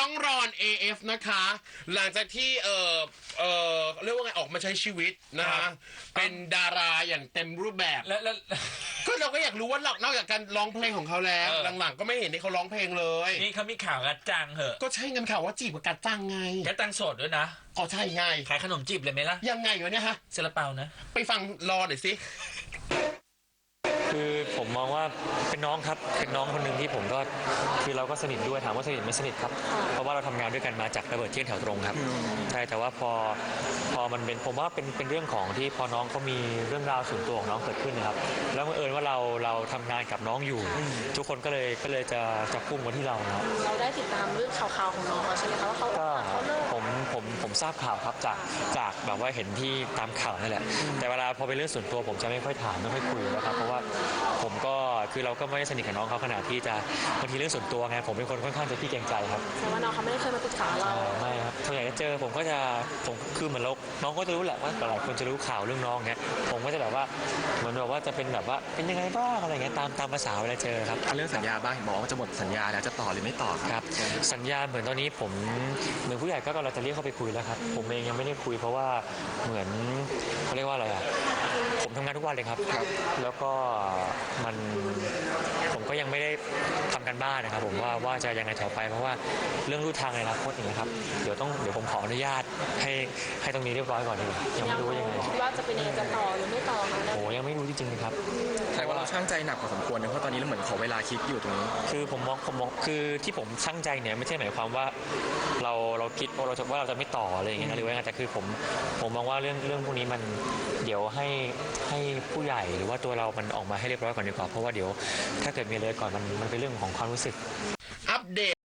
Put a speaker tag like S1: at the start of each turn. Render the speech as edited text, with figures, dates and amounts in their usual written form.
S1: องรอน AF นะคะหลังจากที่เรียกว่าไงออกมาใช้ชีวิตนะคะเป็นดาราอย่างเต็มรูปแบบ
S2: แล้ว
S1: ก็เราก็อยากรู้ว่านอกจากการร้องเพลงของเขาแล้วหลังๆก็ไม่เห็นที่เขาร้องเพลงเลย
S2: นี่เขามีข่าวกัดจังเหอะ
S1: ก็ใช่เงินข่าวว่าจีบกับกัดจังไง
S2: กัดจังโสดด้วยนะ
S1: อ๋อใช่ไง
S2: ขายขนมจีบเลยไหมล่ะ
S1: ยังไงวะเนี่ยฮะ
S2: ซาลาเปานะ
S1: ไปฟังรอหน่อยสิ
S3: คือผมมองว่าเป็นน้องครับเป็นน้องคนหนึ่งที่ผมก็คือเราก็สนิทด้วยถามว่าสนิทไม่สนิทครับเพราะว่าเราทำงานด้วยกันมาจากระเบิดเที่ยงแถวตรงครับใช่แต่ว่าพอมันเป็นผมว่าเป็นเรื่องของที่พอน้องเขามีเรื่องราวส่วนตัวของน้องเกิดขึ้นนะครับแล้วบังเอิญว่าเราทำงานกับน้องอยู่ทุกคนก็เลยจะพุ่งมาที่เราครับ
S4: เราได้ติดตามเรื่องข่าวๆของน้องใช่ไหมคะว่าเขาเลิก
S3: ผมทราบข่าวครับจากแบบว่าเห็นที่ตามข่าวนั่นแหละแต่เวลาพอเป็นเรื่องส่วนตัวผมจะไม่ค่อยถามไม่ค่อยคุยนะครับเพราะว่าผมก็คือเราก็ไม่ได้สนิทกับน้องเขาขนาดที่จะบางทีเรื่องส่วนตัวไงผมเป็นคนค่อนข้างจะขี้เกรงใจครับ
S4: แต่ว่าน้องเขาไม่ได้เคยมาปรึกษาเรา
S3: ไม่ครับส่วนใหญ่จะเจอผมคือเหมือนน้องก็จะรู้แหละว่าหลายคนจะรู้ข่าวเรื่องน้องเงี้ยผมก็จะแบบว่าเหมือนแบบว่าจะเป็นแบบว่าเป็นยังไงบ้างอะไรเงี้ยตามภาษาเวลาเจอครับ
S5: เรื่องสัญญาบ้างบอกว่าจะหมดสัญญาแล้วจะต่อหรือไม่ต่อ
S3: ครับสัญญาเหมือนตอนนี้ผมเหมือนผู้ใหญ่ก็กำลังจะเรียกเข้าไปคุยแล้วครับผมเองยังไม่ได้คุยเพราะว่าเหมือนเขาเรียกว่าอะไรอ่ะผมทำงานทุกวันเลยครับแล้วก็ผมก็ยังไม่ได้ทำกันบ้านนะครับผมว่าจะยังไงต่อไปเพราะว่าเรื่องรูทางในอนาคตอย่างเงี้ยครับเดี๋ยวผมขออนุญาตให้ตรงนี้เรียบร้อยก่อนดีกว่ายังไม่รู้ยังไง
S4: ว่าจะเป็นยังไงจะต่อหรือไม่ต่อคะ
S3: โอ้ยังไม่รู้จริงๆครับ
S5: แต่ว่าเราช่างใจหนักพอสมควรนะเพราะตอนนี้เราเหมือนขอเวลาคิดอยู่ตรงนี้
S3: คือผมมองคือที่ผมช่างใจเนี่ยไม่ใช่หมายความว่าเราคิดว่าเราจะไม่ต่ออะไรอย่างเงี้ยหรือว่าไงแต่คือผมมองว่าเรื่องพวกนี้มันเดี๋ยวให้ผู้ใหญ่หรือว่าตัวเรามันออกมาให้เรียบร้อยก่อนดีกว่าเพราะว่าเดี๋ยวถ้าเกิดมีเลยก่อนมันเป็นเรื่องของความรู้สึก
S1: อัปเดต